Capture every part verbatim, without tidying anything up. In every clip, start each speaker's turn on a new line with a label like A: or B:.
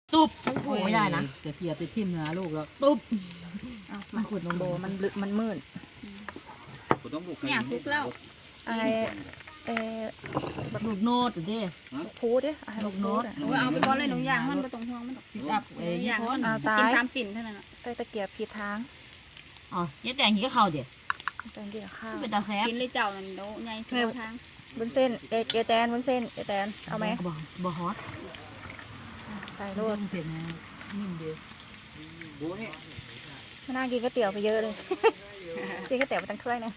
A: ตุ๊บไม่ได้นะ
B: จะเกียบไปทิ่มเนื้อลูกแล้ว
A: ตุ๊บ
C: มันขุดลงโบมันลึกมันมืด
D: เนี่ยทุกแล้ว
C: อะไรเออ
A: ลูกโน้ตดิ
C: พูดดิลูกโน้ต
D: หนูเอาไปก้อนเลยหนูย่างมันไปตรงห่วงมัน
A: ปิดอัพเอ้ย
D: ย่าง
A: คน
C: เอาตา
D: กิน
C: ย
D: ตามปิ่นเท่านั้น
C: ใส่ตะเกียบผิดทาง
A: อ๋อยัดแดงหีก็เข้าเดี๋ยว
C: ตอนกินข้าว
A: เป็นตาแซ่บ
D: กินเลยเจ้านั่นโดใหญ่ทั่วทาง
C: บนเส้นเอเจแตนบนเส้นเจแตนเอาไหม
A: บ่บ่ฮอต
C: ใส่
B: โด
C: โร
B: น
C: ด
B: เผ็ดนะนิ่มดี
C: ไม่น่ากินก๋วยเตี๋ยวไปเยอะเลยกินก๋วยเตี๋ยวไปตั้งถ้วยนะ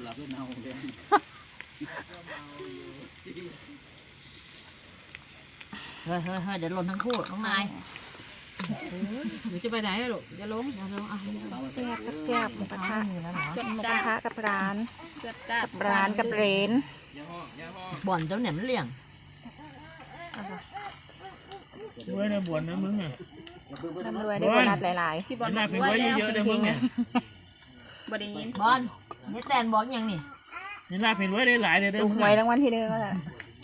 A: เฮ้ยเฮ้ยเฮ้ยเดี๋ยวหล่นทั้งคู่น้องนาย
B: หนูจะไปไหนลูกจะลง
A: เดี๋ยวลงอ่ะ
C: แซ่บแซ่บหมูกระทะ
D: จด
C: หมูก
D: จ้า
C: ระทะกับร้าน
D: จดจ้า
C: กับร้านกับเรน
A: บ่อนเจ้าเนี่ยมันเลี่ยง
E: ด้วยในบวนนะมึงอ่ะ
C: ร่ำรวยได้โบนัสหลาย
D: พี่บอล
E: หน้าเป็น
D: ไว้
E: ไว้
D: แล้ว
E: เยอะๆนะมึงอ่ะ
D: บ่ได้ยิน
A: บอลยัดแดงบอลยังนี่
E: นี่หน้าเป็นไว้ได้หลายเลย
C: ๆ
E: เด้อ
C: ถูก
E: มึง
C: หวยรางวัลที่หนึ่งก็แหละ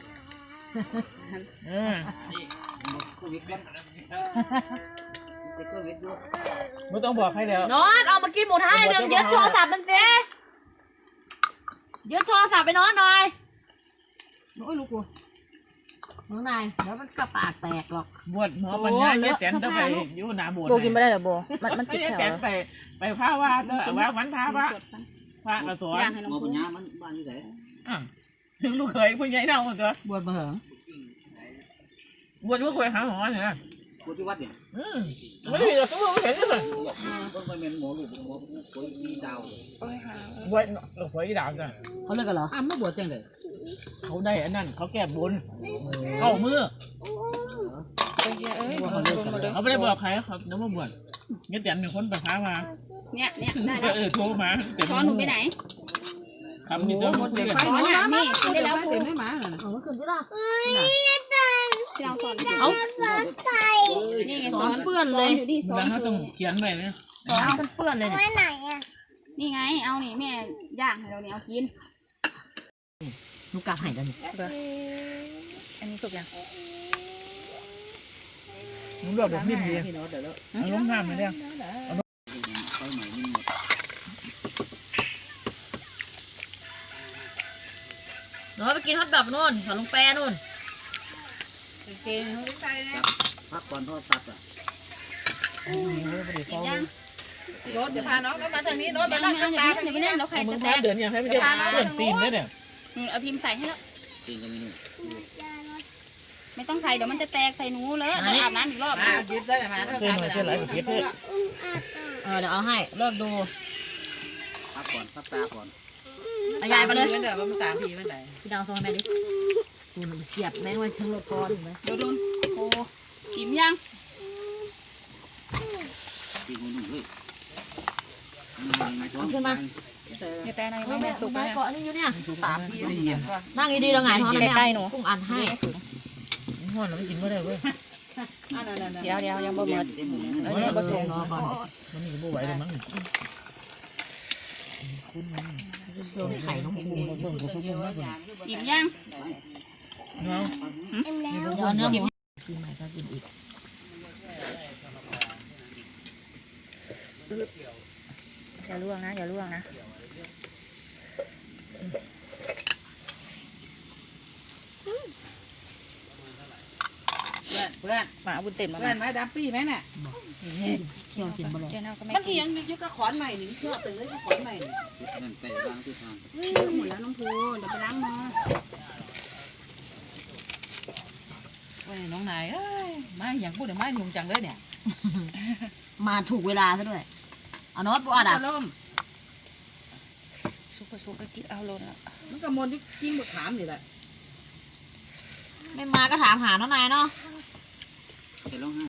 E: เออไม่ต้องบอกใครแล้ว
A: นอนเอามากินหมูทะให้หนึ่งยึดโทรศัพท์มันสิยึดโทรศัพท์ไปนอนหน่อยโอ้ยลูกกูน้องนายเดี๋ยวมันกระปากแตกหรอก
E: บวชหมอปัญญาเนี่ยแสนต้องไปอยู่หน้าบวช
C: โบกินไม่ได้เหรอโบมันมันติด
E: เนี่ย
C: แถ
E: แส
C: วน
E: ไปไปพระว่าเด้อว่าวันพระพระพระกระสวน
D: ย่างให้น้อง
B: หมอ
D: พู
B: ปัญ
D: ด
B: ญามันบ้านอยู่ไหน
E: อ่ะถึงลูกเคยผู้ใหญ่เน่าตัว
B: บวชมาเหรอบ
E: วชลูกเคยหาหมอเนี่ย
B: บวชที่วัดเนี่ย
E: อืมไม่ได้ตัวไม่เห็นเลย
B: ต้องไปเป็นหมอลูกหมอคนมีดาว
E: บวชลูกเคยดาวจ้ะ
A: เขาเลิกกันเหรอ
B: อ้าวไม่บวชจังเลย
E: เขาได้อันนั้นเขาแก้บนเข้ามือ เขาไม่ได้บอกใครเขาน้ำมาบวชเงี้ยแต่มีคนไปพามา
D: เนี่ยเนี่ยได้
E: ก็
D: แล้ว
E: เออโทรมาแต่
D: ช้อนหนูไปไหน
E: คำนี้ต้องคุยกัน
D: ช้อนน่ะนี่กินได้แล้ว
B: เต็มไม่มาเหรอ
A: เอามาคืนที่ละ
D: ที่เราสอน
A: เอา
D: นี่ไง
A: ส
D: ส
A: อ
D: อน น
A: เปื้อนเลย
D: อยู่ดิสอ
E: แล้ว
D: น
E: เขาต้องเขียนไว้เนี่ย
A: สอนเปื้อนเลยเนี่ย
D: นี่ไงเอานี่แม่ย่างให้เราเนี่ยเอากิน
A: ลูกกาหายแล้วนี่
C: อันนี้สุกยัง
E: มึงบอกแบบนิ่มดี
B: พี่น้องเดี๋ยวแล้ว
E: เอาลงน้ำมาเนี่ย
B: ไปใหม่นิ่มหมด
A: หนูไปกินฮอทดอกนู่นขอลงแปรนู่น
B: พักก่อนทอดตัดอ่ะ
D: กินย่าง
A: รถเดี๋ยวพาน้องมาทางนี้รถ
D: ย่างไม่เอาอย่าไปอย่าไปเล่นเราไข่
E: มึ
D: จะ
E: ง
D: แต
E: มาก เดือนยังให้ไม่ได้เพื่อนตีนได้เนี่ย
D: เอาพิมพ์ใส่ให้แล้ว
B: จริงกันนี่
D: ไม่ต้องใส่เดี๋ยวมันจะแตกใส่หนูเลยเดี๋ยวอาบน้ำอีกรอบ
B: มายึดได้ไหม
E: เพื่อนมาเชื่อหลายประเทศเลย
A: เออเดี๋ยวเอาให้เลิกดู
B: พักก่อนพักตาก่อน
A: เอายายไปเลย
B: เดี๋ยวมันสามปีมันไหน
A: พี่ดาวโทรแม่ดิดูหนูเสียบแม่งไว้ทั้งรถก้อนเห็นไหม
D: เดี๋ยวดูโอ้กินยัง
B: ปีนี้หนึ่งเลย
C: นี่แต่ใน
A: ไม่
C: ไม่
A: แม่
C: แม่
A: สุ
C: สุ
A: ก
C: ก
A: แม่
C: แล้ว
A: เกาะนี่อยู่เนี่ย
B: สามปีได้ยิน
A: นั่งดีๆเราหงายท้องนะแม่
C: ใกล้ๆหนู
A: กุ้งอันให้
E: ห้อนเราไม่กินไม่ได้เว้ย
C: เดี๋ยวเดี๋ยวยังบ่หมด
B: เ
C: แล้วยังบ่ส่ง
A: รอก่อน
E: มันนี่ก็ไหวเลยมั้ง
A: โดนไข่น้องปู
D: กินยัง
E: เนาะ
A: เดี๋ยวเนื้อหมูกินใหม่ก็กินอีก
C: อย่าล่วงนะอย่าล่วงนะ
B: พื่อน
C: หมาบุญเต็มมา
B: เพื่อนไหมดับปี้ไหมเนี่ย
A: เคี่ยวกินไปเลย
C: เจ้าเน่าก็ไม่
B: มันเอียงอยู่กับขอนใหม่หนึ่งเชื่อเป็นเลยขอนใหม่นั่นไปล้างที่ทาง
D: หมดแล้วน้องภูเดี๋ยวไปล้างมือ
B: โอ้ยน้องนายเอ้ยมาอย่างพูดแต่มายุ่งจังเลยเนี่ย
A: มาถูกเวลาซะด้วยเอาโน้ตปูอัดอ่ะ
B: ล่ม
C: สุกก็สุกก็กินเอาลงละ
B: มันกระมวลที่กิ้งบทถามนี่แหละ
A: ไม่มาก็ถามหาน้องนายเนาะ
B: เห็นร้องไห้